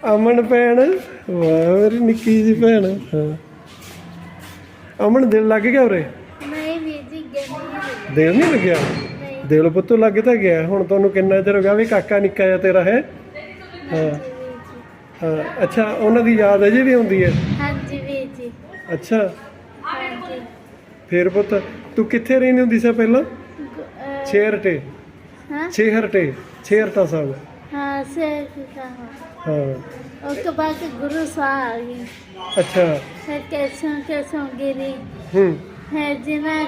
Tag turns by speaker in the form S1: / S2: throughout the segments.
S1: ਅਮਨ ਭੈਣ, ਵਾਹ ਮੇਰੀ ਨਿੱਕੀ ਜੀ ਭੈਣ। ਹਾਂ ਅਮਨ, ਦਿਲ ਲੱਗ ਗਿਆ ਉਰੇ?
S2: ਨਹੀਂ ਵੀਰ ਜੀ,
S1: ਦਿਲ ਨਹੀਂ ਲੱਗਿਆ? ਦਿਲ ਪੁੱਤ ਲੱਗ ਤਾਂ ਗਿਆ। ਹੁਣ ਤੁਹਾਨੂੰ ਕਿੰਨਾ ਚਿਰ ਹੋ ਗਿਆ ਵੀ ਕਾਕਾ ਨਿੱਕਾ ਜਿਹਾ ਤੇਰਾ ਹੈ? ਹਾਂ ਹਾਂ। ਅੱਛਾ, ਉਹਨਾਂ ਦੀ ਯਾਦ ਅਜੇ ਵੀ ਆਉਂਦੀ ਹੈ?
S2: ਹਾਂਜੀ ਵੀਰ ਜੀ।
S1: ਅੱਛਾ,
S2: ਹਾਂਜੀ।
S1: ਫੇਰ ਪੁੱਤ ਤੂੰ ਕਿੱਥੇ ਰਹਿੰਦੀ ਹੁੰਦੀ ਸੀ ਪਹਿਲਾਂ? ਛੇਹਰਟੇ?
S2: ਹਾਂ
S1: ਛੇਹਰਟੇ, ਛੇਹਰਟਾ ਸਾਹਿਬ।
S2: ਹਾਂ ਸੇ
S1: ਹਾਂ।
S2: ਉਸ ਤੋਂ ਬਾਅਦ ਗੁਰੂ ਸਾਹਿਬ ਆ ਗਏ।
S1: ਅੱਛਾ।
S2: ਫਿਰ ਕੈਸੋਂ ਗਿਰੀ
S1: ਹੂੰ।
S2: ਹੈ ਜਿਨ੍ਹਾਂ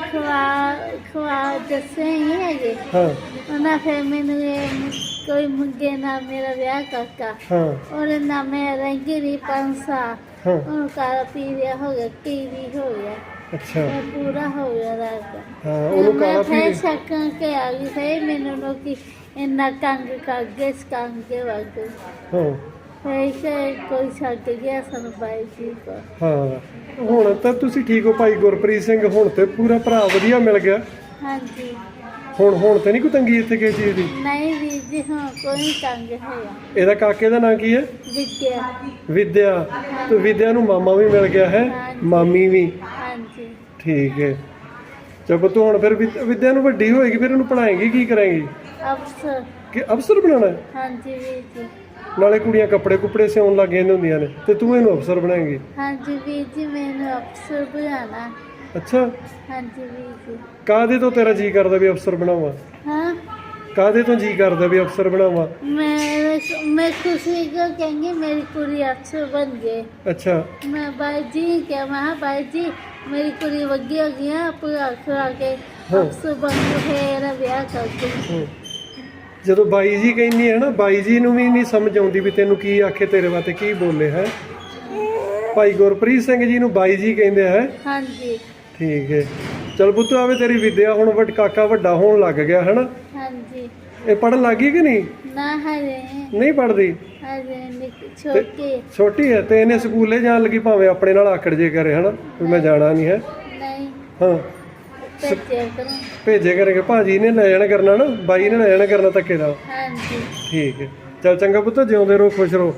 S2: ਖਵਾ ਦੱਸੇ ਹੀ ਹੈਗੇ।
S1: ਹਾਂ
S2: ਉਹਨਾਂ ਫਿਰ ਮੈਨੂੰ ਕੋਈ ਮੁੰਡੇ ਨਾਲ ਮੇਰਾ ਵਿਆਹ ਕਰਤਾ।
S1: ਹਾਂ
S2: ਉਹਦੇ ਨਾਲ ਮੈਂ ਰੰਗੀਰੀ ਪੰਸਾ
S1: ਹਾਂ।
S2: ਉਹਨੂੰ ਕਾਲਾ ਪੀਲਿਆ ਹੋ ਗਿਆ, ਟੀਵੀ ਹੋ ਗਿਆ।
S1: ਅੱਛਾ।
S2: ਮੈਂ ਪੂਰਾ ਹੋ ਗਿਆ ਰਾਤ।
S1: ਹਾਂ ਉਹਨੂੰ ਕਾਲਾ
S2: ਫਿਰ
S1: ਪੀ।
S2: ਛੱਕਾਂ ਕੇ ਆ ਗਈ। ਫਿਰ ਮੈਨੂੰ ਲੋਕੀ ਇੰਨਾ ਤੰਗ ਕਰ ਗਏ, ਕੰਮ ਕੇ ਵਗ
S1: ਹਾਂ
S2: ਫਿਰ ਕੋਈ ਛੱਡ ਗਿਆ ਸਾਨੂੰ ਬਾਈ ਜੀ ਕੋ।
S1: ਹਾਂ। ਹੁਣ ਤਾਂ ਤੁਸੀਂ ਠੀਕ ਹੋ ਭਾਈ ਗੁਰਪ੍ਰੀਤ ਸਿੰਘ? ਹੁਣ ਤੇ ਪੂਰਾ ਭਰਾ ਵਧੀਆ ਮਿਲ ਗਿਆ।
S2: ਹਾਂਜੀ।
S1: ਹੁਣ ਤੇ ਨਹੀਂ ਕੋਈ ਤੰਗੀ ਇੱਥੇ ਕਿਸੇ ਚੀਜ਼ ਦੀ?
S2: ਨਹੀਂ ਵੀਰ ਜੀ, ਹਾਂ ਕੋਈ ਤੰਗ ਹੈਗਾ।
S1: ਇਹਦਾ ਕਾਕੇ ਦਾ ਨਾਂ ਕੀ ਹੈ?
S2: ਵਿਦਿਆ।
S1: ਵਿਦਿਆ। ਤੇ ਵਿਦਿਆ ਨੂੰ ਮਾਮਾ ਵੀ ਮਿਲ ਗਿਆ ਹੈ?
S2: ਹਾਂਜੀ।
S1: ਮਾਮੀ ਵੀ?
S2: ਹਾਂਜੀ।
S1: ਠੀਕ ਹੈ। ਚਲੋ ਤੂੰ ਹੁਣ ਫਿਰ ਵਿਦਿਆ ਨੂੰ ਵੱਡੀ ਹੋਏਗੀ, ਫਿਰ ਉਹਨੂੰ ਪੜ੍ਹਾਏਂਗੀ, ਕੀ ਕਰਾਂਗੀ?
S2: ਅਫਸਰ।
S1: ਕਿ ਅਫਸਰ ਬਣਾਉਣਾ ਹੈ?
S2: ਹਾਂਜੀ ਵੀਰ ਜੀ।
S1: ਨਾਲੇ ਕੁੜੀਆਂ ਕੱਪੜੇ ਕੁਪੜੇ ਸਿਉਣ ਲੱਗ ਜਾਂਦੀਆਂ ਹੁੰਦੀਆਂ ਨੇ, ਤੇ ਤੂੰ ਇਹਨੂੰ ਅਫਸਰ ਬਣਾਏਂਗੀ?
S2: ਹਾਂਜੀ ਵੀਰ ਜੀ, ਮੈਨੂੰ ਅਫਸਰ ਬਣਾਉਣਾ।
S1: ਅੱਛਾ।
S2: ਹਾਂਜੀ ਵੀਰ ਜੀ।
S1: ਕਾਹਦੇ ਤੋਂ ਤੇਰਾ ਜੀ ਕਰਦਾ ਵੀ ਅਫਸਰ ਬਣਾਵਾਂ?
S2: ਹਾਂ
S1: ਕਾਹਦੇ ਤੋਂ ਜੀ ਕਰਦਾ ਵੀ ਅਫਸਰ ਬਣਾਵਾਂ?
S2: मैं खुशी को कहेंगे मेरी कुड़ी अफसर बन गए।
S1: ਅੱਛਾ।
S2: मैं भाई जी क्या मैं भाई जी मेरी कुड़ी वगी हो गई है, पूरा खुरा के अफसर बन गए, मेरा ब्याह कर दो।
S1: ਜਦੋਂ ਬਾਈ ਜੀ ਕਹਿੰਦੀ ਹੈ ਨਾ, ਬਾਈ ਜੀ ਨੂੰ ਵੀ ਨਹੀਂ ਸਮਝ ਆਉਂਦੀ ਵੀ ਤੈਨੂੰ ਕੀ ਆਖੇ, ਤੇਰੇ ਵਾਸਤੇ ਕੀ ਬੋਲੇ ਹੈ। ਭਾਈ ਗੁਰਪ੍ਰੀਤ ਸਿੰਘ ਜੀ ਨੂੰ ਬਾਈ ਜੀ ਕਹਿੰਦੇ ਹੈ?
S2: ਹਾਂਜੀ।
S1: ਠੀਕ ਹੈ। ਚਲ ਪੁੱਤ ਆਵੇ ਤੇਰੀ ਵਿਦਿਆ ਹੁਣ ਕਾਕਾ ਵੱਡਾ ਹੋਣ ਲੱਗ ਗਿਆ ਹੈ ਨਾ?
S2: ਹਾਂਜੀ।
S1: ਇਹ ਪੜ੍ਹਨ ਲੱਗ ਗਈ ਕਿ ਨਹੀਂ?
S2: ना हरे
S1: ਨਹੀਂ ਪੜ੍ਹਦੀ?
S2: हरे छोटी
S1: ਛੋਟੀ ਹੈ ਤੇ ਇਹਨੇ ਸਕੂਲੇ ਜਾਣ ਲੱਗੀ ਭਾਵੇਂ ਆਪਣੇ ਨਾਲ ਆਕੜ ਜੇ ਕਰੇ ਹਨਾ ਵੀ ਮੈਂ ਜਾਣਾ ਨਹੀਂ ਹੈ।
S2: नहीं
S1: ਹਾਂ
S2: बच्चे करो।
S1: ਭੇਜੇ ਕਰੇਗੇ, ਭਾਜੀ ਨੇ ਲੈ ਜਾਣਾ ਕਰਨਾ ਨਾ, ਬਾਈ ਨੇ ਲੈ ਜਾਣਾ ਕਰਨਾ ਧੱਕੇ ਨਾਲ।
S2: ਹਾਂਜੀ।
S1: ਠੀਕ ਹੈ। ਚਲ ਚੰਗਾ ਪੁੱਤ, ਜਿਉਂਦੇ ਰਹੋ, ਖੁਸ਼ ਰਹੋ।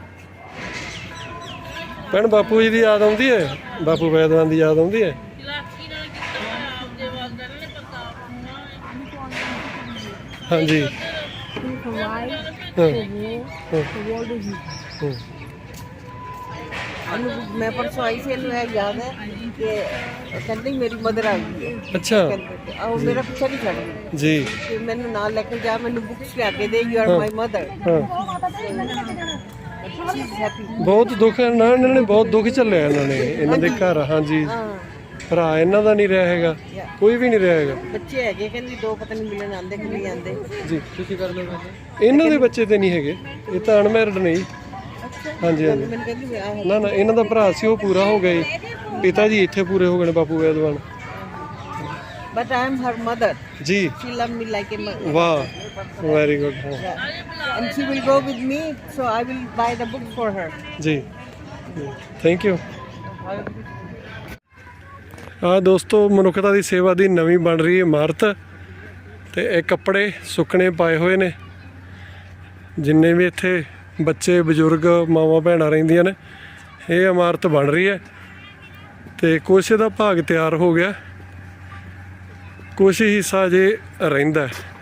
S1: ਭੈਣ ਬਾਪੂ ਜੀ ਦੀ ਯਾਦ ਆਉਂਦੀ ਹੈ? ਬਾਪੂ ਵੈਦਵਾਨ ਦੀ ਯਾਦ ਆਉਂਦੀ ਹੈ? ਹਾਂਜੀ।
S3: मैं परसों आई से याद है कि कहते मेरी मदर आ गई है।
S1: अच्छा।
S3: और मेरा पीछा नहीं छड़ गई
S1: जी।
S3: कि मैंने ना लेकर जा, मैंने बुक्स लिया दे, यू आर माय मदर।
S1: ਬਹੁਤ ਦੁੱਖ ਹੈ ਨਾ, ਇਹਨਾਂ ਨੇ ਬਹੁਤ ਦੁੱਖ ਝੱਲਿਆ ਇਹਨਾਂ ਨੇ, ਇਹਨਾਂ ਦੇ ਘਰ। ਹਾਂਜੀ। ਭਰਾ ਇਹਨਾਂ ਦਾ ਨਹੀਂ ਰਿਹਾ ਹੈਗਾ, ਕੋਈ ਵੀ ਨਹੀਂ ਰਿਹਾ ਹੈਗਾ।
S3: ਬੱਚੇ ਹੈਗੇ ਕਹਿੰਦੀ ਦੋ ਪਤਾ ਨਹੀਂ ਮਿਲਣ ਆਉਂਦੇ ਕਿ ਨਹੀਂ ਆਉਂਦੇ
S1: ਜੀ। ਤੁਸੀਂ ਕਰ ਲਓ। ਇਹਨਾਂ ਦੇ ਬੱਚੇ ਤੇ ਨਹੀਂ ਹੈਗੇ, ਇਹ ਤਾਂ ਅਨਮੈਰਿਡ ਨਹੀਂ। ਹਾਂਜੀ ਹਾਂਜੀ।
S3: ਮੈਨੂੰ ਕਹਿੰਦੀ
S1: ਨਾ ਨਾ, ਇਹਨਾਂ ਦਾ ਭਰਾ ਸੀ ਉਹ ਪੂਰਾ ਹੋ ਗਿਆ ਜੀ। ਪਿਤਾ ਜੀ ਇੱਥੇ ਪੂਰੇ ਹੋ ਗਏ ਨੇ, ਬਾਪੂ ਵੈਦਵਾਨ।
S3: But I am her mother
S1: ji.
S3: She love me like a mother.
S1: ਵਾਹ, very good.
S3: And she will go with me, so I will buy the book for her.
S1: ਜੀ, ਥੈਂਕ ਯੂ। ਆ ਦੋਸਤੋ, ਮਨੁੱਖਤਾ ਦੀ ਸੇਵਾ ਦੀ ਨਵੀਂ ਬਣ ਰਹੀ ਇਮਾਰਤ, ਤੇ ਇਹ ਕੱਪੜੇ ਸੁੱਕਣੇ ਪਾਏ ਹੋਏ ਨੇ। ਜਿੰਨੇ ਵੀ ਇੱਥੇ ਬੱਚੇ ਬਜ਼ੁਰਗ ਮਾਵਾਂ ਭੈਣਾਂ ਰਹਿੰਦੀਆਂ ਨੇ, ਇਹ ਇਮਾਰਤ ਬਣ ਰਹੀ ਹੈ। ਤੇ ਕੁਛ ਦਾ ਭਾਗ ਤਿਆਰ ਹੋ ਗਿਆ, ਕੁਛ ਹਿੱਸਾ ਜੇ ਰਹਿੰਦਾ ਹੈ।